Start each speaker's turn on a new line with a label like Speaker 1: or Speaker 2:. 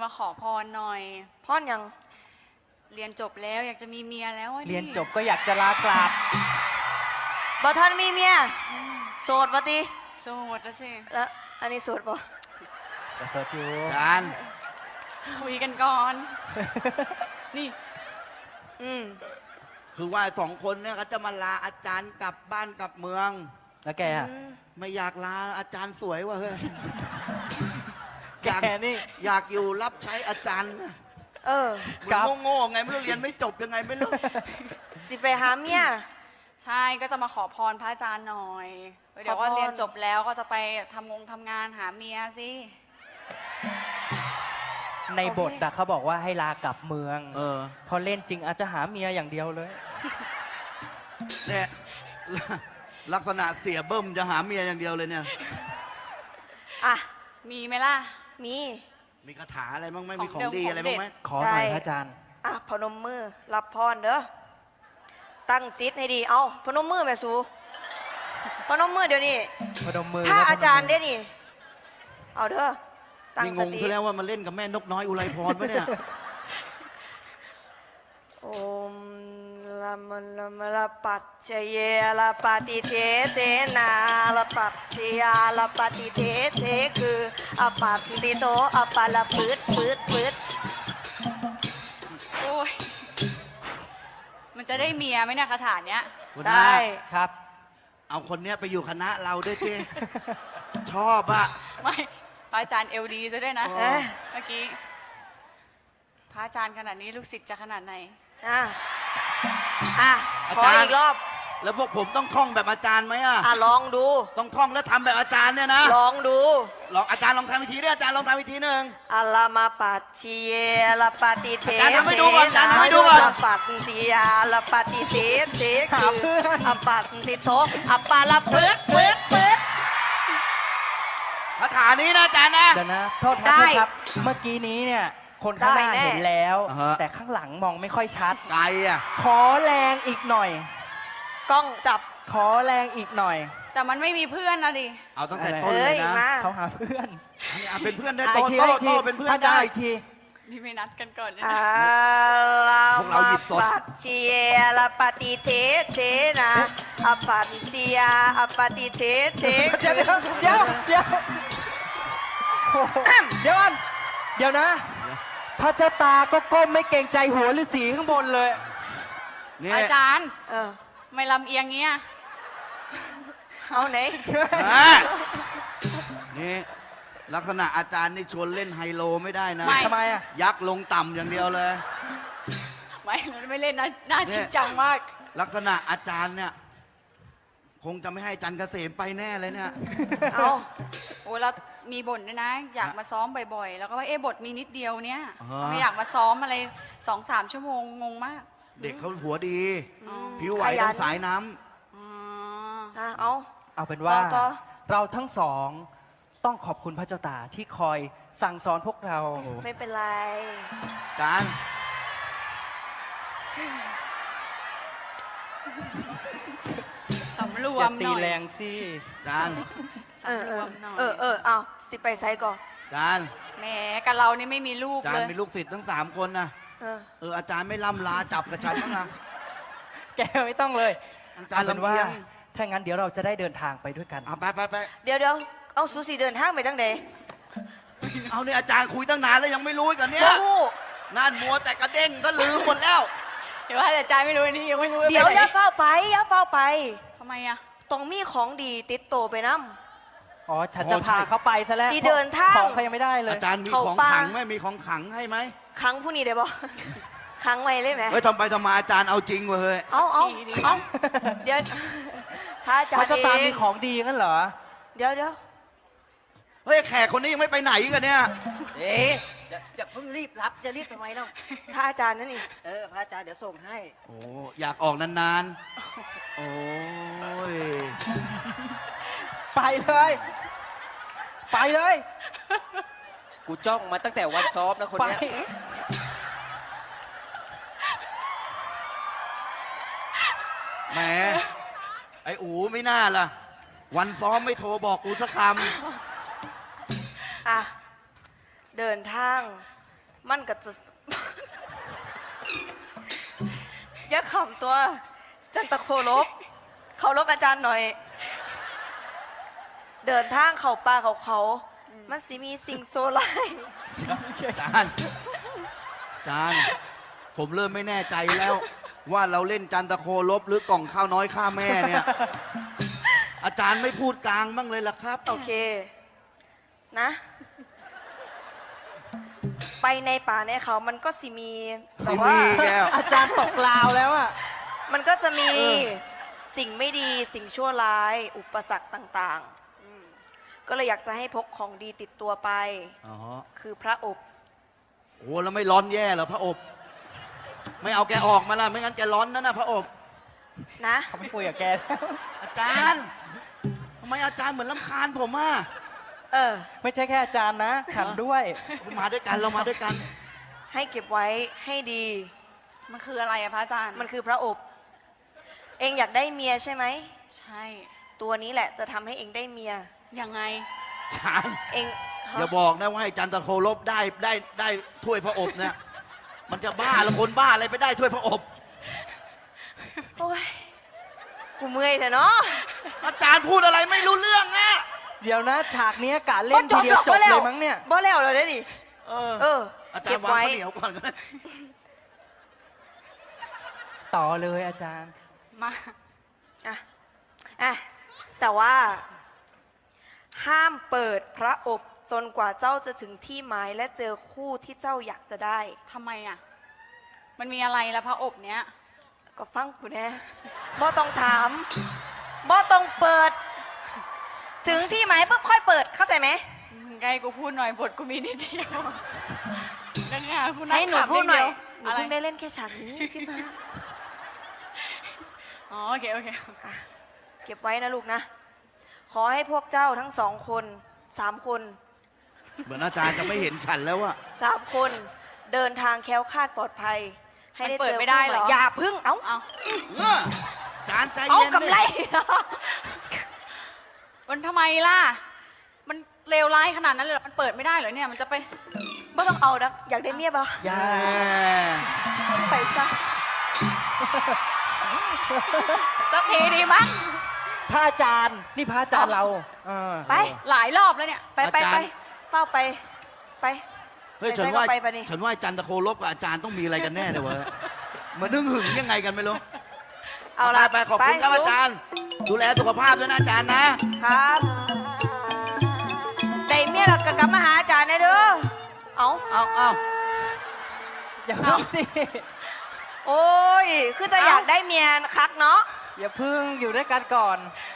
Speaker 1: มาขอพรหน่อย
Speaker 2: พ่อนยัง
Speaker 1: เรียนจบแล้วอยากจะมีเมียแล้ว
Speaker 3: เรียนจบก็อยากจะลากลับ
Speaker 2: บ่ท่านมีเมียโสดปะติ
Speaker 1: โสดแล้วสิ
Speaker 2: แล้วอันนี้โสดปะ
Speaker 3: โสดอยู่
Speaker 4: การ
Speaker 1: คุยกันก่อนนี่
Speaker 4: คือว่าสองคนเนี่ยเขาจะมาลาอาจารย์กลับบ้านกลับเมือง
Speaker 3: แล้วแกอะ
Speaker 4: ไม่อยากลาอาจารย์สวยว่ะเฮ้ย
Speaker 3: แกนี่
Speaker 4: อยากอยู่รับใช้อาจารย์เหมือนโง่ๆไงไม่รู้เรียนไม่จบยังไงไม่รู้
Speaker 2: สิไปหาเมีย
Speaker 1: ใช่ก็จะมาขอพรพระอาจารย์หน่อยเดี๋ยวว่าเรียนจบแล้วก็จะไปทำงานหาเมียสิ
Speaker 3: ในบทเขาบอกว่าให้ลากลับเมืองพอเล่นจริงอาจจะหาเมียอย่างเดียวเลย
Speaker 4: เนี่ยลักษณะเสียเบิ้มจะหาเมียอย่างเดียวเลยเนี่ย
Speaker 1: มีไหมล่ะ
Speaker 4: มีคาถาอะไรบ้างไหมมีของดีอะไรบ้างไหม
Speaker 3: ขอหน่อยพระอาจารย์
Speaker 2: พนมมือรับพรเด้อตั้งจิตให้ดีเอาพนมมือแม่สูพนมมือเดี๋ยวนี้
Speaker 3: พนมมือ
Speaker 2: ถ้าอาจารย์ได้นี่เอาเด้อ
Speaker 4: นี่งงซะแล้วว่ามันเล่นกับแม่นกน้อยอุไรพรปะเนี่ย
Speaker 2: โอมละมันละมละปัจเจเยละปฏิเทเทนาละปัจเจยาละปฏิเทเทคืออปัตติโตอปาละปืด
Speaker 1: โอ้ยมันจะได้เมียไหมเนี่ยคาถาเนี้ย
Speaker 2: ได้
Speaker 3: ครับ
Speaker 4: เอาคนเนี้ยไปอยู่คณะเราด้วยเจ้ชอบอะ
Speaker 1: ไม่พระอาจารย์เอลดีซะด้วยนะเมื่อกี้พระอาจารย์ขนาดนี้ลูกศิษย์จะขนาดไหน
Speaker 2: ขออีกรอบ
Speaker 4: แล้วพวกผมต้องท่องแบบอาจารย์ไหม
Speaker 2: ลองดู
Speaker 4: ต้องท่องแล้วทำแบบอาจารย์เนี่ยนะ
Speaker 2: ลองดู
Speaker 4: อาจารย์ลองทำวิธีด้วยอาจารย์ลองทำวิธีหนึ่ง
Speaker 2: อัลลามาปัจเจเยละปฏิเท
Speaker 4: อาจารย์ทำให้ดูก่อนอาจารย์ทำให้ดูก่อน
Speaker 2: ปัจเจยาละปฏิเทเทคืออปัตติโตอปาละปืด
Speaker 4: คาถานี้นะอาจารย์นะ
Speaker 3: เดี๋ยวนะโทษครับเมื่อกี้นี้เนี่ยคนข้างหน้าเห็นแล้วแต่ข้างหลังมองไม่ค่อยชัด
Speaker 4: ไกล
Speaker 3: ขอแรงอีกหน่อย
Speaker 2: กล้องจับ
Speaker 3: ขอแรงอีกหน่อย
Speaker 1: แต่มันไม่มีเพื่อนนะดิ
Speaker 4: เอาตั้งแต่ต้นเลยนะ
Speaker 3: เขาหาเพื่อน
Speaker 4: เป็นเพื่อนได้โตเป็นเพื่อน
Speaker 3: ได้อีกที
Speaker 1: นี่ไม่นัดกันก่อน
Speaker 4: พวกเราหยิบสด
Speaker 2: ปัจเจยละปฏิเทเทนะอปัจเจยาอปฏิเทเท
Speaker 3: เดี๋ยวนะพระเจ้าตาก็ก้มไม่เกรงใจหัวฤาษีข้างบนเลย
Speaker 1: อาจารย์ไม่ลำเอียงเงี้ย
Speaker 2: เอาไหน
Speaker 4: นี่ลักษณะอาจารย์นี่ชวนเล่นไฮโลไม่ได้นะ
Speaker 3: ทำไม
Speaker 4: ยักษ์ลงต่ำอย่างเดียวเลย
Speaker 1: ไม่เล่นนะน่าจริงจังมาก
Speaker 4: ลักษณะอาจารย์เนี่ยคงจะไม่ให้อาจารย์เกษมไปแน่เลยเนี่ย
Speaker 1: โอ้แล้วมีบ่นด้วยนะอยากมาซ้อมบ่อยๆแล้วก็ว่าบทมีนิดเดียวเนี่ยไม่อยากมาซ้อมอะไร2-3 ชั่วโมงงงมาก
Speaker 4: เด็กเขาหัวดีผิวไหวทั้งสายน้ำ
Speaker 3: เอาเป็นว่าเราทั้งสองต้องขอบคุณพระเจ้าตาที่คอยสั่งสอนพวกเรา
Speaker 2: ไม่เป็นไร
Speaker 4: การ
Speaker 1: สำรวมหน่อย
Speaker 3: ตีแรงสิ
Speaker 4: การ
Speaker 1: สำรวมหน่อย
Speaker 2: เอาสิไปไซก่อน
Speaker 4: การ
Speaker 1: แหมกับเรานี่ไม่มีลูกเลย
Speaker 4: การมีลูกศิษย์ทั้ง3 คนนะอาจารย์ไม่ล่ำลาจับกับฉันบ้างนะ
Speaker 3: แกไม่ต้องเลยอาจารย์ลำว่าถ้างั้นเดี๋ยวเราจะได้เดินทางไปด้วยกัน
Speaker 4: ไป
Speaker 2: เดี๋ยวเอาสูสีเดินทางไปตั้งเด
Speaker 4: เอาเนี่ยอาจารย์คุยตั้งนานแล้วยังไม่รู้กันเนี่ยนั่นมัวแต่กระเด้งก็ลืมหมดแล้ว
Speaker 1: เดี๋ยวว่าอาจารย์ไม่รู้นี่ยังไม่รู้
Speaker 2: เดี๋ยวอย่าเฝ้าไป
Speaker 1: ทำไม
Speaker 2: ต้องมีของดีติดโตไปน้
Speaker 3: ำฉันจะพาเขาไปซะแล้ว
Speaker 2: ที่เดินทาง
Speaker 3: ของเขายังไม่ได้เลย
Speaker 4: อาจารย์มีของขังไหมมีของขังให้ไหม
Speaker 2: ขังผู้นี้ได้บ่ขังไว้เลยไหม
Speaker 4: ทำไปทำมาอาจารย์เอาจริงเว้ย
Speaker 2: เอาเดี๋ยวพระอาจารย์
Speaker 3: จะตามมีของดีงั้นเหรอ
Speaker 2: เดี๋ยว
Speaker 4: เฮ้ยแขกคนนี้ยังไม่ไปไหนกันเนี่ย
Speaker 5: อย่าเพิ่งรีบรับจะรีบทำไมเล่า
Speaker 2: พระอาจารย์นั่นนี่
Speaker 5: พระอาจารย์เดี๋ยวส่งให้
Speaker 4: โอ้อยากออกนานๆโอ้ย
Speaker 3: ไปเลย
Speaker 5: กูจ้องมาตั้งแต่วันซ้อมนะคนเนี้ย
Speaker 4: แหมไอ้อูไม่น่าล่ะวันซ้อมไม่โทรบอกกูสักคำ
Speaker 2: เดินทางมันก็จะ อย่าขำตัว จันตะโคลบเขาลบอาจารย์หน่อย เดินทางเขาป่าเขามันสิมีสิ่งโซไลาย
Speaker 4: อาจารย์ผมเริ่มไม่แน่ใจแล้ว ว่าเราเล่นจันตะโคลบหรือกล่องข้าวน้อยข้าแม่เนี่ย อาจารย์ไม่พูดกลางบ้างเลยล่ะครับ
Speaker 2: โอเค นะ ไปในป่าในเขามันก็สิมีแต่
Speaker 4: สิ
Speaker 2: ว่า
Speaker 4: มีแก้ว
Speaker 3: อาจารย์ตกลาวแล้วอ่ะ
Speaker 2: มันก็จะมีสิ่งไม่ดีสิ่งชั่วร้าย อุปสรรคต่างๆ ก็เลยอยากจะให้พกของดีติดตัวไป
Speaker 4: อ๋อ
Speaker 2: คือพระอบ
Speaker 4: โอ้แล้วไม่ร้อนแย่เหรอพระอบ ไม่เอาแกออกมาล่ะไม่งั้นแกร้อนนะพระอบ
Speaker 2: นะ
Speaker 3: เขาไม่คุยกับแกแล้ว
Speaker 4: อาจารย์ทำไมอาจารย์เหมือนลำคาญผมอ่ะ
Speaker 2: เออ
Speaker 3: ไม่ใช่แค่อาจารย์นะ ฉันด้วย
Speaker 4: มาด้วยกันเรามาด้วยกัน
Speaker 2: ให้เก็บไว้ให้ดี
Speaker 1: มันคืออะไรอะพระอาจารย์
Speaker 2: มันคือพระอบ เองอยากได้เมียใช่ไหม
Speaker 1: ใช่
Speaker 2: ตัวนี้แหละจะทำให้เองได้เมีย
Speaker 1: ยังไง
Speaker 4: อาจารย์
Speaker 2: เองฮะ
Speaker 4: อย่าบอกนะว่าให้จันตะโคลบได้ถ้วยพระอบเนี่ย มันจะบ้าละคนบ้าอะไรไปได้ถ้วยพระอบ
Speaker 2: โอ้ย กูเมื่อยเถอะเนาะ
Speaker 4: อาจารย์พูดอะไรไม่รู้เรื่องอ่ะ
Speaker 3: เดี๋ยวนะฉากเนี้ยกะเล่นทีเดียวจบเลยมั้งเนี่ย
Speaker 2: บ่แล้วเลยดิ
Speaker 4: เออ
Speaker 2: เออ
Speaker 4: อาจาร
Speaker 2: เก็
Speaker 4: ย์
Speaker 2: บ
Speaker 4: วาง
Speaker 2: ไว้
Speaker 4: ข้าวเหนียวก่อนก็ได้
Speaker 3: ต่อเลยอาจารย์
Speaker 1: มา
Speaker 2: อ่ะ แต่ว่า ห้ามเปิดพระอบจนกว่าเจ้าจะถึงที่หมายและเจอคู่ที่เจ้าอยากจะได้
Speaker 1: ทำไมอะมันมีอะไรละพระอบเนี้ย
Speaker 2: ก็ฟังกูแน่บ่ต้องถามบ่ต้องเปิด ถึงที่หมายปุ๊บค่อยเปิดเข้าใจไหม
Speaker 1: ไงกูพูดหน่อยบทกูมีนิดเดียวดังงากูนั่ง
Speaker 2: ให้หนู
Speaker 1: ขำ
Speaker 2: พูดหน่อย
Speaker 1: เดีว
Speaker 2: หนูเพิ่งได้เล่นแค่ฉากนี้พี่มา
Speaker 1: อ๋อโอเคโอเค
Speaker 2: เก็บไว้นะลูกนะ ขอให้พวกเจ้าทั้ง2 คน3 คน
Speaker 4: เหมือนอาจารย์จะไม่เห็นฉันแล้วอะ
Speaker 2: 3 คนเดินทางแคล้วคลาดปลอดภัย ให้ได้
Speaker 1: มันเปิ
Speaker 2: เจ
Speaker 1: ด
Speaker 2: อ
Speaker 1: ไม่ได้เหรอ
Speaker 2: คู่ใม่อย่าพึ่ง เอ้า
Speaker 1: เอา
Speaker 4: เอออาจารย์ใจ
Speaker 2: เอา
Speaker 4: เย็นดิ
Speaker 2: กำไร
Speaker 1: มันทำไมล่ะ มันเลวร้ายขนาดนั้นเลยเหรอมันเปิดไม่ได้เหรอเนี่ยมันจะไป
Speaker 2: ไม่ต้องเอานะอยากได้เมียปะ
Speaker 3: อย่า
Speaker 2: ไปซะ
Speaker 1: สักทีดีมั้ง
Speaker 3: พระอาจารย์นี่พระอาจารย์เราเออ
Speaker 2: ไป
Speaker 1: หลายรอบแล้วเนี่ย
Speaker 2: ไปไปไปเฝ้าไป ไป
Speaker 4: เฮ้ย
Speaker 2: ไป
Speaker 4: ฉัน
Speaker 2: ใส่
Speaker 4: ว่า
Speaker 2: เข้าไปปะนี่
Speaker 4: ฉันว่าจันตะโคลบกับอาจารย์ต้องมีอะไรกันแน่เลยวะเหมือนนึกหึงยังไงกันไม่รู้
Speaker 2: เอาละ
Speaker 4: ไปขอบคุณครับอาจารย์ ดูแลสุขภาพด้วยนะอาจารย์นะ
Speaker 2: ครับได้เมียเราก็กลับมาหาอาจารย์นะเด้อ เอา
Speaker 4: เอา
Speaker 3: อย่าเพิ่งสิ
Speaker 2: โอ้ย คือจะอยากได้เมียคักเนาะ
Speaker 3: อย่าเพิ่งอยู่ด้วยกันก่อน
Speaker 2: เ